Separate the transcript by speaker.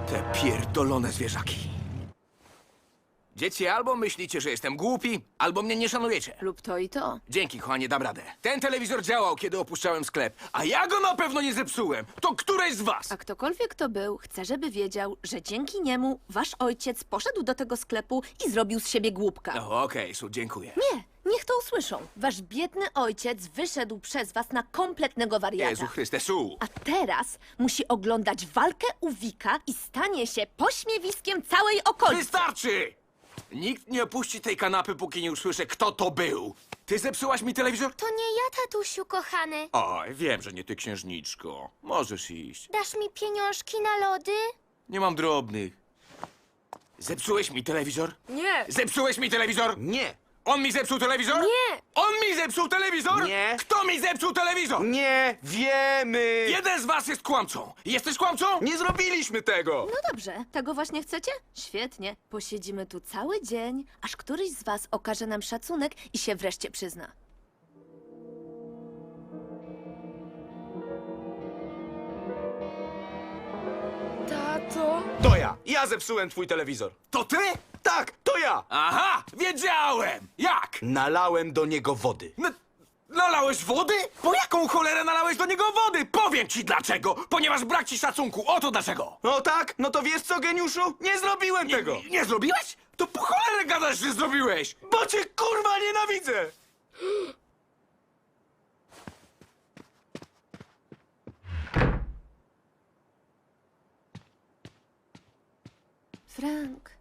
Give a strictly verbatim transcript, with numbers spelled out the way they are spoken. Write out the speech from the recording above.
Speaker 1: Te pierdolone zwierzaki. Dzieci, albo myślicie, że jestem głupi, albo mnie nie szanujecie.
Speaker 2: Lub to i to.
Speaker 1: Dzięki, kochanie, dam radę. Ten telewizor działał, kiedy opuszczałem sklep, a ja go na pewno nie zepsułem. To któreś z was?
Speaker 2: A ktokolwiek to był, chce, żeby wiedział, że dzięki niemu wasz ojciec poszedł do tego sklepu i zrobił z siebie głupka.
Speaker 1: O, okej, Su, dziękuję.
Speaker 2: Nie, niech to usłyszą. Wasz biedny ojciec wyszedł przez was na kompletnego wariata.
Speaker 1: Jezu Chryste, Su!
Speaker 2: A teraz musi oglądać walkę u Wika i stanie się pośmiewiskiem całej okolicy.
Speaker 1: Wystarczy! Nikt nie opuści tej kanapy, póki nie usłyszę, kto to był. Ty zepsułaś mi telewizor?
Speaker 3: To nie ja, tatusiu kochany.
Speaker 1: Oj, wiem, że nie ty, księżniczko. Możesz iść.
Speaker 3: Dasz mi pieniążki na lody?
Speaker 1: Nie mam drobnych. Zepsułeś mi telewizor?
Speaker 2: Nie.
Speaker 1: Zepsułeś mi telewizor?
Speaker 4: Nie!
Speaker 1: On mi zepsuł telewizor?
Speaker 2: Nie.
Speaker 1: On mi zepsuł telewizor?
Speaker 4: Nie.
Speaker 1: Kto mi zepsuł telewizor?
Speaker 4: Nie wiemy!
Speaker 1: Jeden z was jest kłamcą. Jesteś kłamcą?
Speaker 4: Nie zrobiliśmy tego!
Speaker 2: No dobrze, tego właśnie chcecie? Świetnie. Posiedzimy tu cały dzień, aż któryś z was okaże nam szacunek i się wreszcie przyzna.
Speaker 3: Tato?
Speaker 4: To ja! Ja zepsułem twój telewizor!
Speaker 1: To ty?
Speaker 4: Tak, to ja!
Speaker 1: Aha, wiedziałem! Jak?
Speaker 4: Nalałem do niego wody.
Speaker 1: N nalałeś wody? Po jaką cholerę nalałeś do niego wody? Powiem ci dlaczego! Ponieważ brak ci szacunku, oto dlaczego!
Speaker 4: No tak? No to wiesz co, geniuszu? Nie zrobiłem tego!
Speaker 1: Nie, nie zrobiłeś? To po cholerę gadasz, że zrobiłeś!
Speaker 4: Bo cię kurwa nienawidzę!
Speaker 2: Frank,